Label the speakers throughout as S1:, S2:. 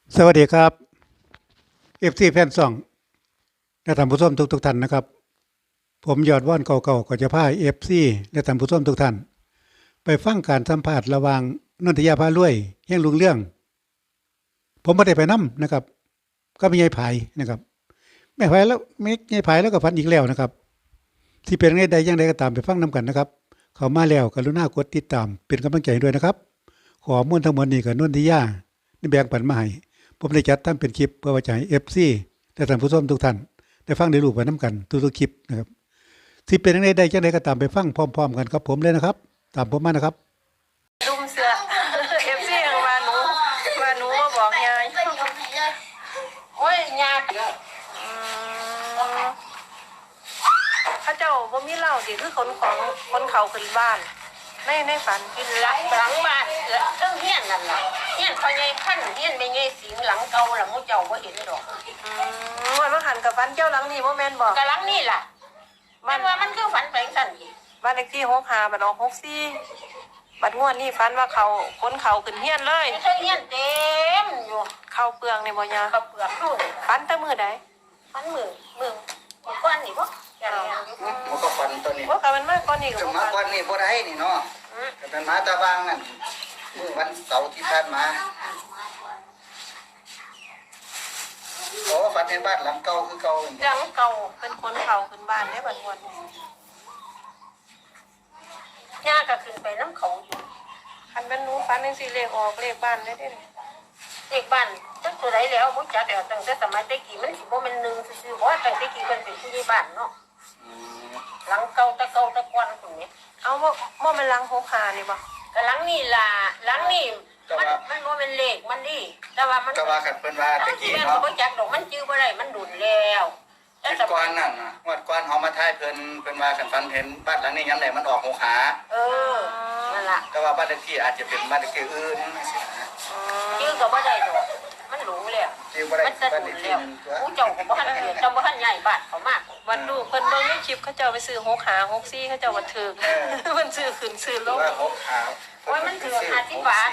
S1: สวัสดีครับเอฟซีแฟนซองและท่านผู้ชมทุกท่านนะครับผมยอดว่านเก่าๆก็จะพาเอฟซีและท่านผู้ชมทุกท่านไปฟังการสัมภาษณ์ระหว่างนนทยาพารวยแห่งลุงเรื่องผมไม่ได้ไปนํนะครับก็มียายไผนะครับแม่ไผแล้วแม่ยายไผแล้วก็ฝันอีกแล้วนะครับที่เป็นใดอย่างใดก็ตามไปฟังนํกันนะครับเข้ามาแล้วกรุณากดติดตามเป็นกำลังใจด้วยนะครับขอมูลทั้งหมดนี้กับนนทยาได้แบ่งปันมาให้ผมได้จัดทำเป็นคลิปเพื่อไว้ให้ FC และท่านผู้ชมทุกท่านได้ฟังได้รู้ไปนํกันทุกๆคลิปนะครับที่เป็นใดอย่างใดก็ตามไปฟังพร้อมๆกันครับผมเลยนะครับตามผมมานะครับ
S2: ลุมเสือ เอฟซีของว่าหนูมาบอกยายโอ้ยยาเขาเจ้าบ่มีเหล้าสิคือคนเขาขึ้นบ้านในฝันกินหลังบ้านเรื่องเฮี้ยนนั่นแหละเฮี้ยนพอใหญ่ขั้นเฮี้ยนไม่ใหญ่สิงหลังเก่าละมูเจ้าบ่เห็นดอกวันว่าหันกับฝันเจ้าหลังนี่บ่แม่นบอกกับหลังนี่ล่ะมันว่ามันคือฝันแปลงสั่นอีกบ้านเลขที่65บัดออก64บัดงวดนี่ฝันว่าเขาคนเขาขึ้นเฮี้ยนเลยเฮี้ยนเต็มอยู่เข้าเปลืองในบ่ยาเข้าเปลือกนู่นฝันแต่มื้อใดฝันมื้อก้อนนี่บ่
S3: มันก็ฟันตัวนี้
S2: บ่ค่ะมันมาก่อนนี่ก็
S3: ถึง
S2: บ่
S3: มาวันนี้บ่ได้นี่เนาะแต่เป็นมาตะวางนั่นมื้อวันเสาร์ที่ผ่านมาโอ้ฟันเห็นบ้านหลังเก่าคือเก่า
S2: หลังเก่าเป็นคนเขาขึ้นบ้านได้บัดงวดย่าก็ขึ้นไปน้ำเขาอยู่คันเป็นหนูฝันจังซี่เลขออกเลขบ้านได้เด้เลขบ้านจักตัวใดแล้วบ่จักแล้วตั้งแต่สมัยตะกี้มันสิบ่แม่น1ซื่อๆบ่ตั้งแต่กี้เพิ่นเป็นผู้ใหญ่บ้านเนาะหลังเก่าตะก่อนพุ่นนี่เอาบ่แม่นหลัง65นี่บ่ก็หลังนี่ล่ะหลังนี่มันบ่เป็นเลขมันดิแต่ว่ามัน
S3: ก็ว่ากันเพิ่นว่าตะกี้เนาะ
S2: บ่จักดอกมันจื้อบ่ได้มันดุนแล้ว
S3: แต่ก่อนนั่นน่ะงวดก่อนเฮามาทายเพิ่นว่ากันฟันเห็นบ้านหลังนี้ยามใดมันออก6ขา
S2: นั่นล่ะ
S3: แต่ว่าบ้านเลขที่อาจจะเป็นบ้านเลขที่อื่น
S2: จื้อก็บ่ได้ดอกมันหลงแล้ว
S3: จื้อบ่ได้
S2: บ้านเลขที่นึงผู้เจ้าก็บ่ทันเกิดจำบ่ทันใหญ่บ้านเขามากวันลูกเพิ่นเบิ่งในคลิปเขาเจ้าไปซื้อ6ขา64เขาเจ้าบ่ถูกเพิ่นซื้อขึ้นซื้อลง
S3: ว่า6ขา
S2: โอ้ยมันถือ50 บาท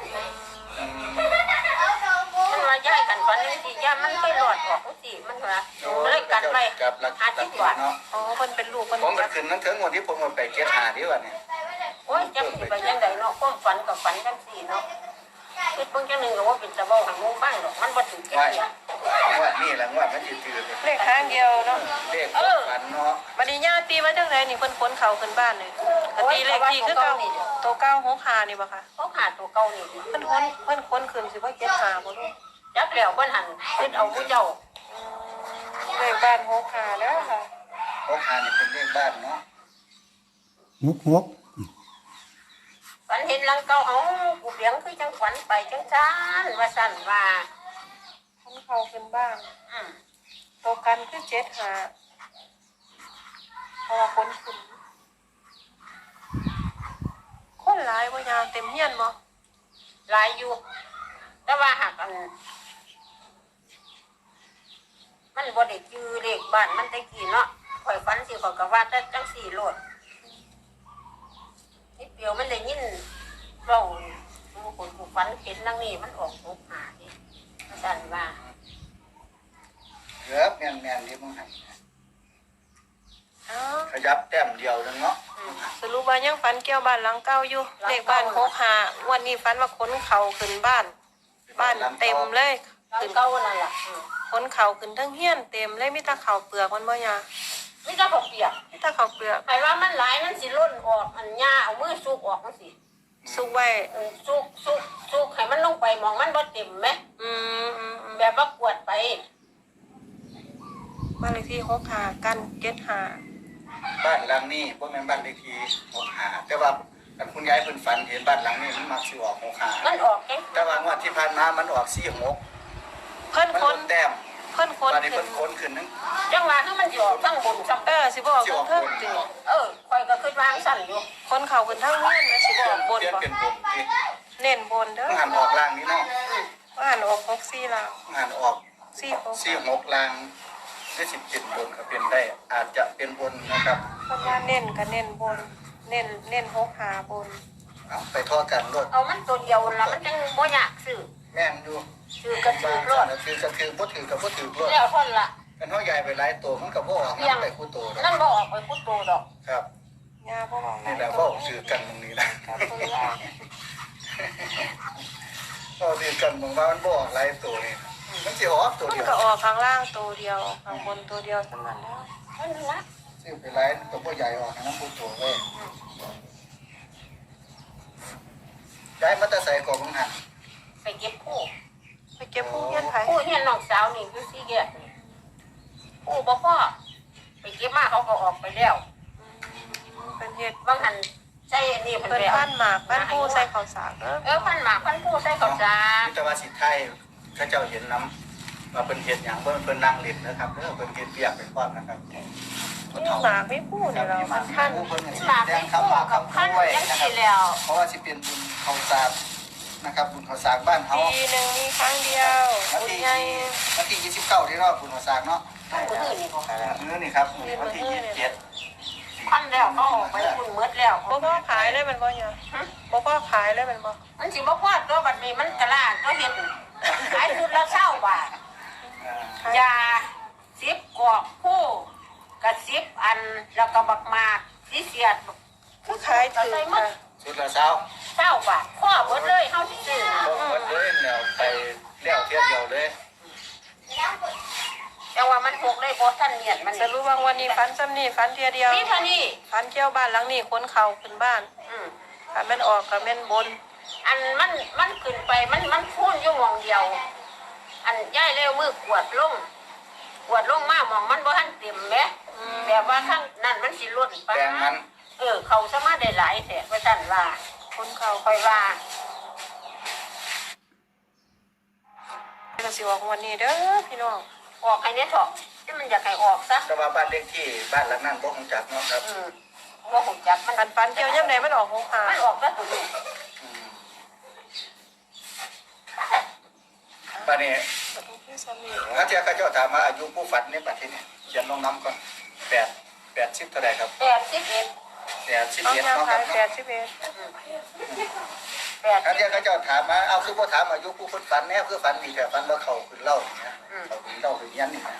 S2: มันว่าย้ายกันฝันนี่สิย่ามันไปหลอดออกสิมันว่าเลยกันไว้50 บาทอ๋อเพิ่นเป็นลูกเพิ่น
S3: ผมมันขึ้นนั่นถึงวันที่ผมไปเก็บหาดิว่าเนี่ย
S2: โอ้ยจังสิไปยังไดเนาะความฝันกับฝันจังซี่เนาะคิดเพิ่งจังนึงก็ว่าเป็นตะเว้าให้หมู่ฟังดอกมันบ่ถึงแก่
S3: ว่านี่แหละว่ามันจืด
S2: เลขข้างเดียวเนาะ
S3: เลขฝันเนาะ
S2: บัดนี้ย่าตีมาจังไดนี่เพิ่นขนเขาขึ้นบ้านเลยตีเลขที่คือเก่าตัวเก่า65นี่บ่คะ65ตัวเก่านี่เพิ่นขนขึ้นสิบ่75บ่ลูกจักแล้วเพิ่นหันคิดเอาผู้เจ้าเลขบ้าน65แล้วค่ะ
S3: 6ขานี่เป็นเลขบ้านเนาะ
S1: หก
S2: ฝันเห็นหลังเก่าเอากูเลี้ยงคือจังฝันไปจังซั่นว่าซั่นว่าคนเขาขึ้นบ้านตัวกันคือ75เพราะว่าคนขึ้นคนหลายบ่ยามเต็มเฮียนบ่หลายอยู่แต่ว่าหากมันบ่ได้จื้อเลขบ้านมันตะกี้เนาะข่อยฝันสิข่อยก็ว่าแต่จังซี่โลดนี่เปียวมันได้ยินเว้าคนผู้ฝันเห็นนางนี่มันออก65นี่ซั่นว่า
S3: เกือบแม่นๆที่มึงให้ขยับแต้มเดียวนึงเนาะ
S2: สรุปว่ายังฝันเกี่ยวบ้านหลังเก่าอยู่เลขบ้าน65วันนี้ฝันว่าขนเขาขึ้นบ้านเต็มเลยขึ้นเก่านั่นล่ะขนเขาขึ้นทั้งเฮียนเต็มเลยมีแต่ข้าวเปลือกมันบ่ยามีแต่ข้าวเปียกมีแต่ข้าวเปลือกไอ้ว่ามันหลายมันสิล้นออกอันหญ้าเอามือซุกออกจังซี่ซุกไว้ซุกให้มันลงไปมองมันบ่เต็มมั้ยแบบว่ากวดไปบ้านเลขที่65กัน75
S3: บ้านหลังนี้บ่แม่นบ้านเลขที่6ขาแต่ว่าคุณยายเพิ่นฝันเห็นบ้านหลังนี้มันมักสิออก6ขา
S2: มันออก
S3: แต่ว่างวดที่ผ่านมามันออก46
S2: เพิ่นคน
S3: แต้ม
S2: เพิ่นคน
S3: ขึ้นนึง
S2: จังว่าคือมันสิออกทั้งบนซ้ำสิบ่ออกทั้งเทิงติข่อยก็คิดว่าสั่นอยู่คนเขาขึ้นทั้งเฮียนแล้วสิบ่ออกบนบ่
S3: เป็นบนติ
S2: เน้นบนเด้อ
S3: หันออกล่างนี่เนาะ
S2: หันออก64ล่าง
S3: หันออก46ล่างได้10เป็นบนก็เป็นได้อาจจะเป็นบนนะครับ
S2: เพราะว่าเน้นก็เน้นบนเน้น65บน
S3: เอาไปทอดกันรถ
S2: เอามันตัวเดียวล่ะมันจังบ่ยากซื้อ
S3: แม่นอยู่
S2: ถือกระถือรถ
S3: ถือกระถือบ่ถือกับบ่ถือรถ
S2: แล้วท่อนละ
S3: กันเฮาใหญ่ไปหลายตัวมันก็บ่ออกนำไปคู่ตัวดอก
S2: นั่นบ่ออกไปพุทโตดอก
S3: ครับ
S2: ยาบ่บอก
S3: นี่แหละเว้าถือกันตรงนี้นะก็ถือกันมองว่ามันบ่ออกหลายตัวนี่มันสิออกตัว
S4: มัน
S3: เดียว
S4: ก็ออกข้างล่างตัวเดียวข้างบนตัวเดียวสมันแล้ว
S2: นั่นละ
S3: ซื้อไปหลายตัวบ่ใหญ่ออกนำคู่ตัวเว้ยย้ายมาแต่ใส่กองหัน
S2: ไปเก็บคู่
S4: ไปเก็บผู้เฮียนไผ
S2: คู่เฮียนน้องสาวนี่อยู่สี่แยกนี่คู่บ่พอไปเก็บมาเขาก็ออกไปแล้ว
S4: เป็นเฮ็ด
S2: บางหันใช่อันนี้เพิ่น
S4: เป็น
S2: ไปเอา
S4: พันหมากพันผู้ใส่ข้าวสารเด้อ
S2: พันหมากพันคู่ใส่ข้าวสาร
S3: แต่ว่าสิไทยเขาเจ้าเห็นน้ำว่าเพิ่นเฮ็ดหยังเพิ่นนั่งเล่นนะครับเด้อเพิ่นเฮ็ดเปียกเป็นความนะครับ
S4: มีหมากมีผู้นี่เรามันพัน
S3: เพิ่นสิ
S2: หมาก
S3: แด
S2: ไม่
S3: ง
S2: คู่
S3: คำว่า
S2: กับ
S3: คำ
S2: พัน
S3: ด้วย
S2: ยัง
S3: นะครั
S2: สิ
S3: บ
S2: แล้ว
S3: เพราะว่าสิเป็นบุญข้าวสารนะครับบุญข้าวสารบ้านเฮา
S4: ปีหนึ่งมีครั้งเดียวบุญใหญ่
S3: วันที่29ที่รอบบุญข้าวสารเนาะ
S2: ต้องมือนี่บ่
S3: มื้อนี่ครับวันที่27
S2: พันแล้วเขาออกไปคุณเมดแล้ว
S4: บ่พอขายเลยมันบ่เนี่ยบ่พอขายเลยมันบ่
S2: มันสิบ่พอตัวบัดนี้มันกระลาดตัวเฮ็ดขายชุดละ20 บาทยา10กอกคู่กระ10อันแล้วก็บักหมากสิเสียด
S4: คือขายถือค่ะ
S3: ชุดละเช้า
S2: 20 บาทพ่อเบิดเลยเฮาสิซื้อ
S3: หมดเลยแล้วไปแล้วเที่ยวเดียวเลย
S2: แต่ว่ามันพกเลยบ่ทันเนียนมัน
S4: สรุปว่าวันนี้ฝันซ้ำนี่ฝันเทียเดียว
S2: นี่เท่านี้
S4: ฝันเที่ยวบ้านหลังนี้ขนเข่าขึ้นบ้าน
S2: อืม
S4: ถ้าแม่นออกก็แม่นบน
S2: อันมันขึ้นไปมันพูนอยู่หม่องเดียว อันย้ายเร็วมือกวดลงมาหม่องมันบ่ทันเต็มแหมแบบว่าข้างนั้นมันสิล้นไป
S3: แปลงมัน
S2: เขาสามารถได้หลายแท้ว่าซั่นว่า
S4: ขนเข่า
S2: ค่อยว่า
S4: ก็สิออกวันนี้เด้อพี่น้อง
S2: ออกให้เนี่ยเถอะที่มันอยากให้ออกซะ
S3: แต่ว่าบ้านเลขที่บ้านหลังนั้นบ่คงจักเนาะครับ
S2: ว่าผมจักมัน
S4: ฝันเที่ยวย่ำใดมันออกหงหา
S2: มันออกซะตัวนี้
S3: บ้านนี้ถ้าเจ้าเขาเจ้าถามว่าอายุผู้ฝันในประเทศนี้เขียนลงน้ำก่อน80เท่าไหร่ครับ
S2: 81
S4: เอา
S3: 81
S4: ยา
S3: เนาะค
S4: ขา
S3: รับ
S4: ย
S3: เนาะ ถ้าเจ้าเขาเจ้าถามมาเอาคือบ่ถามอายุผู้คนฝันแน่คือฝันดีแต่ฝันว่าเขาขึ้นเล่าอย่างเงี้ยเขาขึ้นเล่าขึ้นยันนี่นะ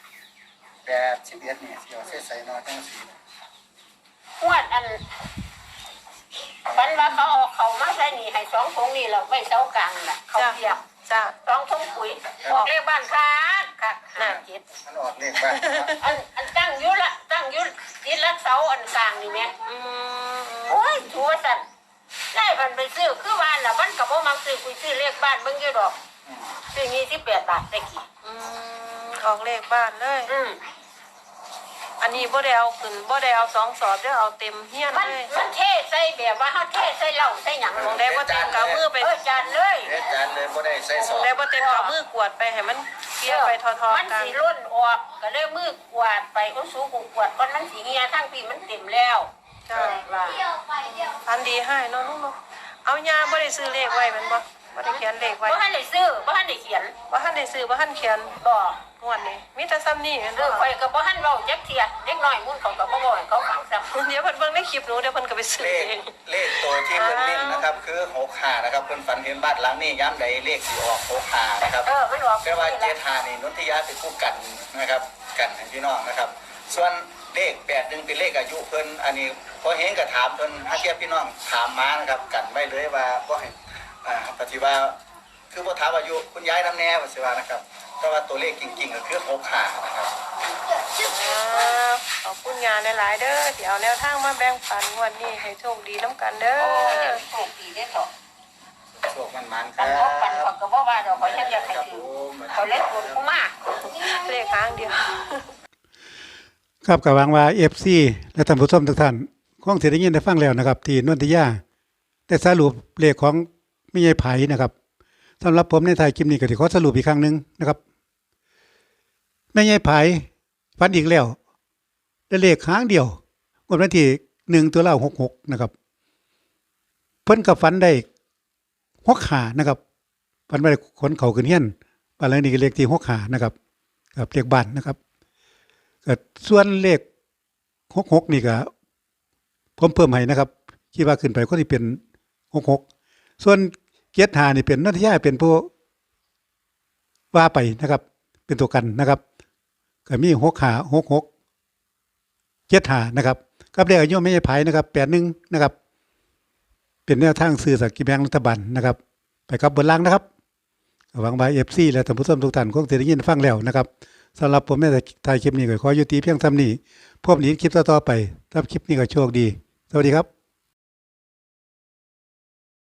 S3: 81เนี่ยสิเอาใส่เนาะจังซี่
S2: ขวดอันฝันว่าเขาเอาเขามาใส่นี่ให้2ถุงนี่แล้วไว้เสากลางน่ะเขาเปียก
S4: จ้า
S2: 2ถุงปุ๋ยออกเลขบ้านคัก57
S3: มันออกเลขบ้าน
S2: อันตั้งอยู่ติดรักเสาอันกลางนี่แม่
S4: อืม
S2: โอ้ยชัวสั่นได้มันไปซื้อคือบ้านน่ะมันก็บ่มักซื้อคุยซื้อเลขบ้านเบิ่งอยู่ดอกซื้อ28 บาทได้กี่
S4: ออกเลขบ้านเลย อันนี้บ่ได้เอาขึ้นบ่ได้เอา2 สอบเด้อเอาเต็มเฮียน
S2: มัน
S4: เลย
S2: มันเทใส่แบบว่าเฮาเทใส่เหล้าใส่หยัง
S4: มองได้บ่เต็มกำมือไป
S2: จานเลย
S3: เฮ็ดจานเลยบ่ได้ใส่ซ
S4: ม
S3: อ
S4: อง
S3: ส
S4: ได้บ่เต็มกำมือกวดไปให้มันเกลี่ยไปทอ
S2: มัน
S4: ๆกัน
S2: สิล้นออกก็เลยมือกวาดไปเอาสูกูกวาดก่อนมันสิเหียทั้งพี่มันเต็มแล้ว
S4: จ้า
S2: ว่า
S4: พันดีให้เนาะลูกเนาะเอายาบ่ได้ซื้อเลขไว้แม่นบ่บ่ได้เขียนเลขไว้
S2: บ่ทันได้ซื้อบ่ทันได้เขียน
S4: บ่ทันได้ซื้อบ่ทันเขียน
S2: บ่
S4: งวดนี้มีแต่ซ้ำนี่แม่นบ่
S2: ข่อยก็บ่ทันเว้าจักเที่ยเด็กน้อยมุ่นเขาก็บ่บอกให้เขาฟังซ้ำ
S4: เดี๋ยวเพิ่นเบิ่งในคลิปหนูเดี๋ยวเพิ่นก็ไปซื้อ
S3: เลข
S4: เอง
S3: เลขตัวที่เพิ่นเน้นนะครับคือ65นะครับเพิ่นฝันเห็นบ้านหลังนี้ย้ำใดเลขสิออก65นะครับ
S2: มันออก
S3: แต่ว่า75นี่นนทิยาเป็นผู้กันนะครับกันให้พี่น้องนะครับ ส่วนเลข81เป็นเลขอายุเพิ่นอันนี้พอเห็นก็ถามเพิ่นถ้าเทียบพี่น้องถามมานะครับกันไว้เลยว่าบ่ให้ปฏิว่าคือบ่ถามอายุคุณยายนำแน่ว่าสิว่านะครับแต่ว่าตัวเลขจริงๆก็คือ65นะครับ
S4: ขอบคุณยาหลายๆเด้อที่เอาแนวทางมาแบ่งปันงวดนี้ให้โชคดีนํกันเด้อ
S2: โชคดีได้อเถอะ
S3: โชคมันๆค
S2: กั
S3: รั
S2: น
S3: บ
S2: พบกันเขาก็บอกว่าเราเขาอยากให้
S3: ครับ
S2: ถื
S3: ผ
S2: อ
S3: ม
S2: เขาเล็กคนกูมาก
S4: เลขครั้งเดียว
S1: ครับกับหวังว่า FC และท่านผู้ชมทุกท่านคงสิได้ยินได้ฟังแล้วนะครับ ที่นนทิยาได้สรุปเลขของแม่ยายไผนะครับสำหรับผมในท้ายคลิปนี้ก็สิขอสรุปอีกครั้งหนึงนะครับแม่ยายไผฝันอีกแล้วได้เลขครั้งเดียวงวดวันที่1ตุลาคม66นะครับเพิ่นก็ฝันได้65นะครับฝันว่าได้ขนเขาขึ้นเฮียนบ้านหลังนี้ก็เลขที่65นะครับกับเลขบ้านนะครับก็ส่วนเลข66นี่ก็ผมเพิ่มให้นะครับคิดว่าขึ้นไปก็สิเป็น66ส่วน75นี่เป็นนนทิยาเป็นผู้ว่าไปนะครับ เป็นตัวกันนะครับก็มี6566 75นะครับกับเลขอายุไม่ใช่ไผนะครับ81นะครับเป็นแนวทางซื้อสลากกินแบ่งรัฐบาลนะครับไปกับบนล่างนะครับหวังว่า FC และท่านผู้ชมทุกท่านคงสิได้ยินฟังแล้วนะครับสำหรับผมในถ่ายคลิปนี้ก็ขอยุติเพียงเท่านี้พบกันในคลิปต่อๆไปถ้าคลิปนี้ก็โชคดีสวัสดีครับ